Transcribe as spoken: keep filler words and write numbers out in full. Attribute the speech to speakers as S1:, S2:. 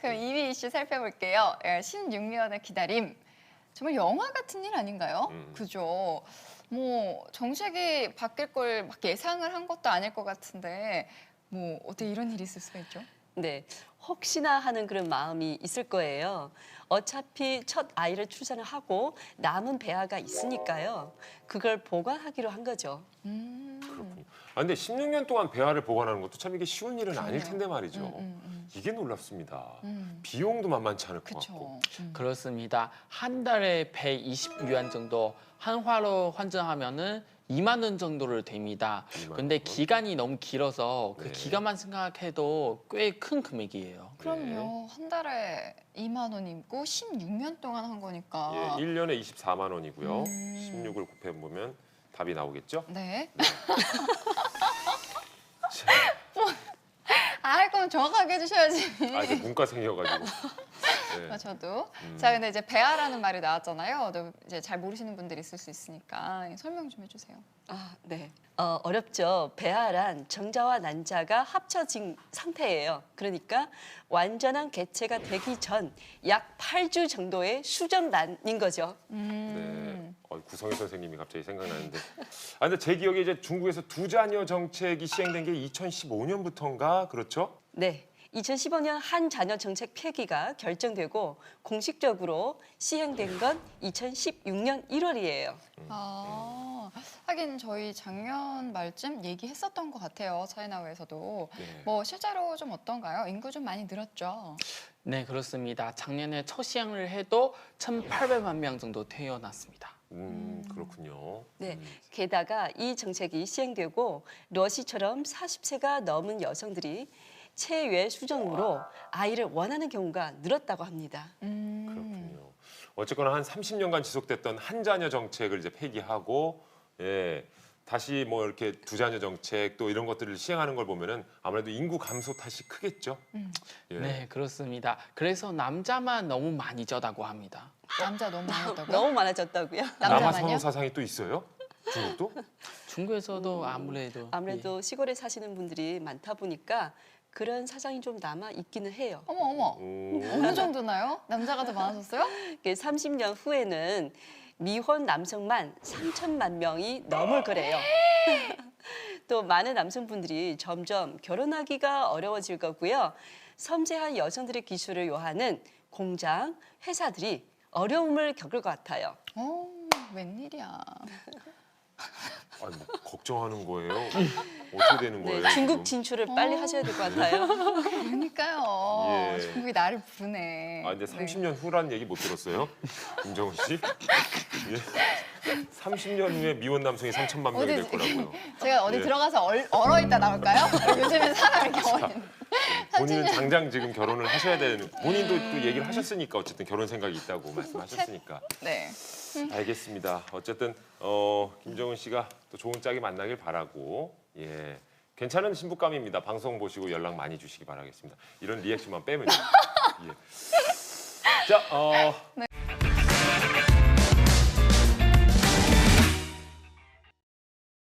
S1: 그럼 이 위 이슈 살펴볼게요. 십육 년의 기다림. 정말 영화 같은 일 아닌가요?
S2: 음.
S1: 그죠? 뭐 정책이 바뀔 걸 막 예상을 한 것도 아닐 것 같은데 뭐 어떻게 이런 일이 있을 수가 있죠?
S3: 네, 혹시나 하는 그런 마음이 있을 거예요. 어차피 첫 아이를 출산을 하고 남은 배아가 있으니까요. 그걸 보관하기로 한 거죠.
S1: 음.
S2: 그렇군요. 아, 근데 십육 년 동안 배아를 보관하는 것도 참 이게 쉬운 일은 아닐
S1: 그러네요.
S2: 텐데 말이죠.
S1: 음, 음, 음.
S2: 이게 놀랍습니다.
S1: 음.
S2: 비용도 만만치 않을 것 같고.
S1: 그렇죠. 음.
S4: 그렇습니다. 한 달에 백이십 유안 정도 한화로 환전하면은 이만 원 정도를 됩니다.
S2: 이만
S4: 근데
S2: 원?
S4: 기간이 너무 길어서 그
S2: 네.
S4: 기간만 생각해도 꽤 큰 금액이에요.
S1: 그럼요. 한 달에 이만 원이고 십육 년 동안 한 거니까.
S2: 예, 일 년에 이십사만 원이고요.
S1: 음.
S2: 십육을 곱해보면 답이 나오겠죠?
S1: 네.
S2: 자,
S1: 아, 그럼 정확하게 해주셔야지.
S2: 아, 이제 문과생이어가지고. 네.
S1: 아, 저도.
S2: 음.
S1: 자, 근데 이제 배아라는 말이 나왔잖아요. 또 이제 잘 모르시는 분들이 있을 수 있으니까 설명 좀 해주세요.
S3: 아, 네. 어, 어렵죠. 배아란 정자와 난자가 합쳐진 상태예요. 그러니까 완전한 개체가 되기 전 약 팔 주 정도의 수정란인 거죠.
S2: 네.
S1: 음.
S2: 어, 구성희 선생님이 갑자기 생각나는데. 아, 근데 제 기억에 이제 중국에서 두 자녀 정책이 시행된 게 이천십오 년부터인가 그렇죠?
S3: 네. 이천십오 년 한 자녀 정책 폐기가 결정되고 공식적으로 시행된 건 이천십육 년 일월이에요.
S1: 아, 하긴 저희 작년 말쯤 얘기했었던 것 같아요. 차이나우에서도.
S2: 네.
S1: 뭐 실제로 좀 어떤가요? 인구 좀 많이 늘었죠?
S4: 네, 그렇습니다. 작년에 첫 시행을 해도 천팔백만 명 정도 태어났습니다.
S2: 음, 그렇군요.
S3: 네.
S2: 음.
S3: 게다가 이 정책이 시행되고 러시처럼 사십 세가 넘은 여성들이 체외 수정으로 아이를 원하는 경우가 늘었다고 합니다.
S1: 음.
S2: 그렇군요. 어쨌거나 한 삼십 년간 지속됐던 한 자녀 정책을 이제 폐기하고, 예, 다시 뭐 이렇게 두 자녀 정책 또 이런 것들을 시행하는 걸 보면은 아무래도 인구 감소 탓이 크겠죠.
S1: 음.
S2: 예.
S4: 네, 그렇습니다. 그래서 남자만 너무 많이 져다고 합니다.
S1: 남자 너무 많았다고요?
S3: 너무 많아졌다고요.
S2: 남아
S1: 남자만요?
S2: 선호 사상이 또 있어요? 중국도?
S4: 중국에서도 아무래도
S3: 아무래도 시골에 사시는 분들이 많다 보니까 그런 사상이 좀 남아 있기는 해요.
S1: 어머 어머.
S2: 음.
S1: 어느 정도나요? 남자가 더 많아졌어요?
S3: 삼십 년 후에는 미혼 남성만 삼천만 명이 넘을 거래요. 또 많은 남성분들이 점점 결혼하기가 어려워질 거고요. 섬세한 여성들의 기술을 요하는 공장, 회사들이 어려움을 겪을 것 같아요.
S1: 어, 웬일이야.
S2: 아니, 뭐 걱정하는 거예요? 어떻게 되는 거예요?
S3: 네, 중국
S2: 지금?
S3: 진출을 빨리
S1: 어.
S3: 하셔야 될 것 같아요.
S1: 그러니까요.
S2: 예.
S1: 중국이 나를 부르네.
S2: 아, 근데 삼십 년 후란 얘기 못 들었어요? 김정은 씨? 예. 삼십 년 후에 미혼 남성이 삼천만 명이 될
S1: 어디-
S2: 거라고요.
S1: 네. 제가 어디
S2: 예.
S1: 들어가서 얼, 얼어 있다 나올까요? 요즘엔 사람 이렇게 얼어 있는.
S2: 본인은 당장 지금 결혼을 하셔야 되는, 본인도 또 얘기를 하셨으니까 어쨌든 결혼 생각이 있다고 말씀하셨으니까.
S1: 네.
S2: 알겠습니다. 어쨌든 어, 김정은 씨가 또 좋은 짝이 만나길 바라고, 예, 괜찮은 신부감입니다. 방송 보시고 연락 많이 주시기 바라겠습니다. 이런 리액션만 빼면요. 예. 자, 어,
S1: 네.